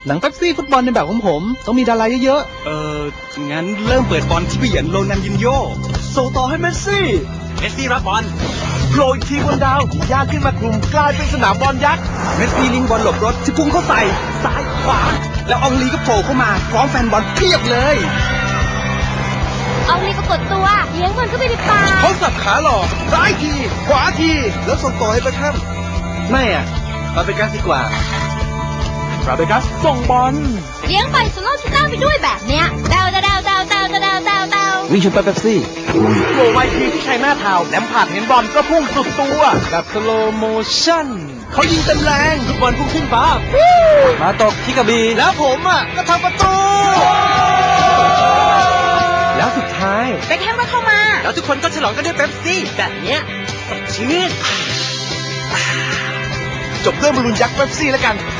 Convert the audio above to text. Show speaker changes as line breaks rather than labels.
หนังเป๊ปซี่ฟุตบอลในแบบของผมต้องมีดาราเยอะ
งั้นเริ่มเปิดบอลที่เบียนโรนัลดินโญ่
ส่งต่อให้เมสซี่
เมสซี่รับบอล
โผล่อีกทีบนดาวย่างขึ้นมากลุ่มกลายเป็นสนามบอลยักษ์
เมสซี่ลิงบอลหลบรถที่พุ่งเข้าใส่ซ้ายขวา แล้วอองลีก็โผล่เข้ามาพร้อมแฟนบอลเพียบเลย
เอาลีก็กดตัวเลี้ยงบอลเข้าไปในปาก
เขาสับขาหลอกซ้ายทีขวาทีแล้วส่งต่อให้เบคแฮมไม่อ่ะฟาเบกัสดีกว่า
ฟาเบกัสส่งบอล
เลี้ยงไปสโลว์ชิต้าไปด้วยแบบเนี้ยเดา
ๆวิ่งชนเป๊ปซี่
โผล่ไวทีที่ใช้หน้าเท้าแลมพาร์ดเห็นบอลก็พุ่งสุดตัวแบบสโลโมชั่น
เขายิงเต็มแรงลูกบอลพุ่งขึ้นฟ้า
มาตกที่กระบี่
แล้วผมอ่ะก็ทำประตู
แล้วสุดท้าย
เบคแฮมก็เข้ามา
แล้วทุกคนก็ฉลองกันด้วยเป๊ปซี่แบบเนี้ยสดชื่น
จบด้วยบอลลูนยักษ์เป๊ปซี่แล้วกัน